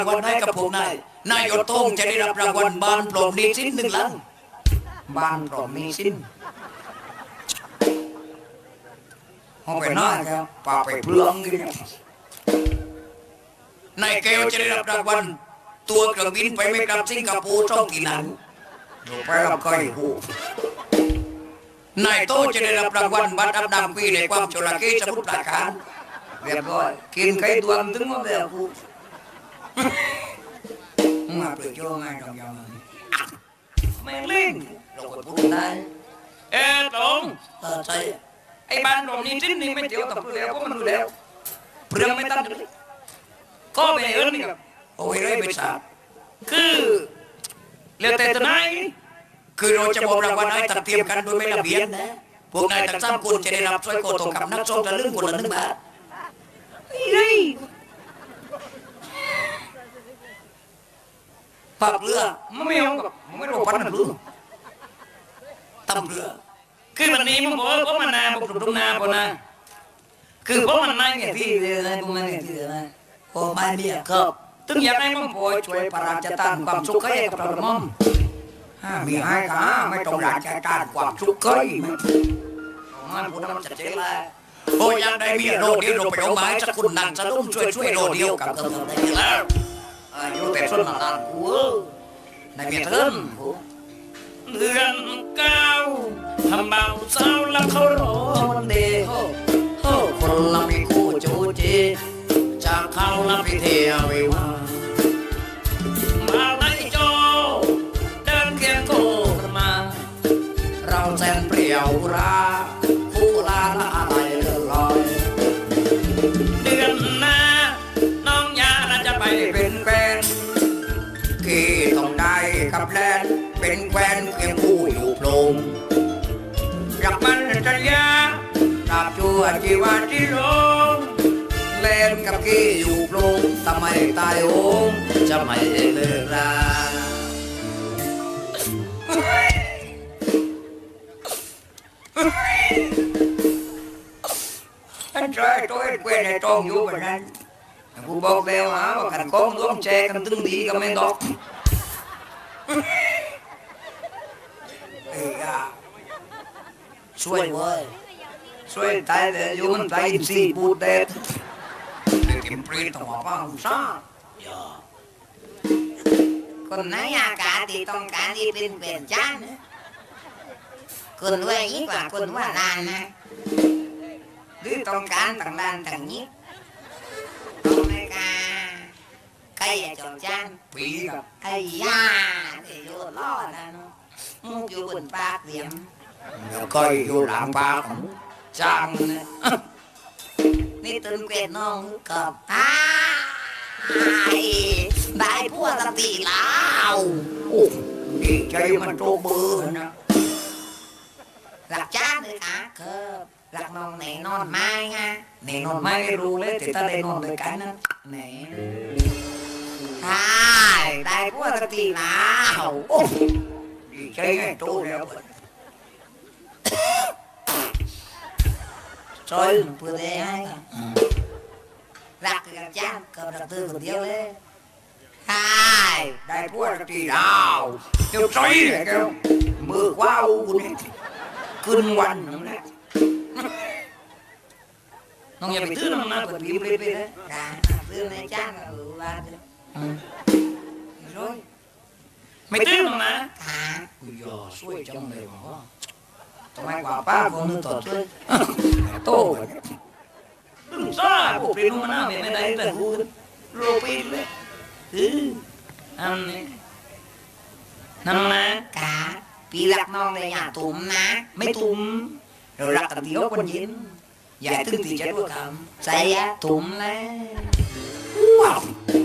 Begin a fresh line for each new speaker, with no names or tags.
รางวัลให้กับพวกนายยศโต้งจะได้รับรางวัลบ้านปลอมดีสิ้น1 หลังบ้านปลอมมีสิ้นเอาไปน้อยครับป่าไปเปลืองกินนายแก้วจะได้รับรางวัลตัวเครื่องบินไปไม่กลับสิงคโปร์ช่องที่นั้นไปรับใครหูนายโตจะได้รับรางวัลบัตรอับดำปีในความโชลาเกสมุทรปราการเรียบร้อยกินไข่ดวงถึงหมดแล้วกูมาเปลือยโจ้ง่ายดองยองไม่เล่นเราก็พูดได้ตรงใช่ไอ้บ้านเรานี่จิ้นนี่ไม่เดียวแต่เปลือยก็มันดูแล้วเปลือยไม่ตั้งก็ไปเอิ้นนี่ครับโอ้ยเลยไปสาบคือเรื่องแต่ตัวไหนคือเราจะบอกรางวัลให้ตัดเตรียมกันโดยไม่ระเบียบนะพวกนายทั้ง3 คนจะได้รับสร้อยคอทองคำนักซ้อมจะลึ่งคนละ1 บาทปากเรือไม่เอากับไม่รู้ปันหรือตำเรือคือวันนี้มึงบอกว่ามันนาบอกตรงนาปนะคือเพราะมันนายเนี่ยที่เลยนะพวกมันเนี่ยที่เลยนะโอ้ไม่เนี่ยครับถึงอยากให้มึงป่วยช่วยประราชทานความสุขให้กับเรามั่งมีให้ค่ะไม่ต้องราชการความสุขเคยมันพูดมันจะเจ๊เลยโอ้ยังได้มีโรเดียวเราไปเอาไม้สักคนนั่งสะดุ้งช่วยโรเดียวกับเธอได้แล้วอยู่แต่ส่วนนานกูในเมียเทินเดือน9ทำเบาเศร้าแล้วเขารอวันเดียวคนละมีคู่จูจีจากเขาละพิเทียวิวามาไล่โจเดินเคียงคู่กันมาเราแสนเปรี้ยวราคู่ลาละอะไรเลื่อนลอยเดือนหน้าน้องยาจะไปเป็นแฟนกี่ต้องได้กับแลนเป็นแฟนเคียงคู่อยู่โปร่งรักมันสัญญาตราบชั่วชีวาที่ลงเล่นกับกี้อยู่โปร่งทำไมตายโหงจะไม่เลิกราอันใจตัวเว้นในตองอยู่แบบนั้นกูบอกแล้วฮะว่าขันก้องร่วมแชร์กันตึงดีก็ไม่ดอกช่วยเว้ยช่วยตายแต่อยู่มันตายสี่ปูเด็ดเก็บปรีต้องมาฟังซ่าคนไหนอากาศที่ต้องการที่เป็นเปลี่ยนจ้านะคนรวยยิ่งกว่าคนว่าลานนะหรือต้องการต่างด้านต่างนี้ต้องในการใครอยากจอดจ้างปีกับไอ้ย่าเดี๋ยวล้อนะเนาะมุกอยู่บนปากเสียมแล้วก็อยู่หลังปากของจ้างนะนี่ตื่นเกล็ดน้องกับได้พวกสติแล้วโอ้ดีใจมันโตเบอร์นะหลักจ้าเลยค่ะครับหลักนอนไหนนอนไม้ฮะไหนนอนไม้ไม่รู้เลยแต่ถ้าได้นอนด้วยกันนะไหนได้พวกสติแล้วโอ้ดีใจไงโตแล้วช่วยเพื่อได้ให้รักกับจ้ากับรักเธอคนเดียวเลยได้พวกสติแล้วเดี๋ยวช่วยเลยแกมือว้าวขึ้นวันนั่นแหละน้องอย่าไปตื้อน้องนะเปิดพิมพ์ไปเลยตื้อในจ้างว่าrồiไม่ตื้อน้องนะอย่าช่วยจังเลยหมอทำไมกว่าป้าคนนึงต่อช่วยโตตึงซ่าพวกเป็นมันน่าไม่ได้แต่กูโรปีเลยอันนี้นั่นนะกาปีรักน้องเลยอย่าตุ่มนะไม่ตุ่มเรารักกันที่ยกวันเย็นอย่าตึงตีจะด้วยคำใจตุ่มเลยว้าว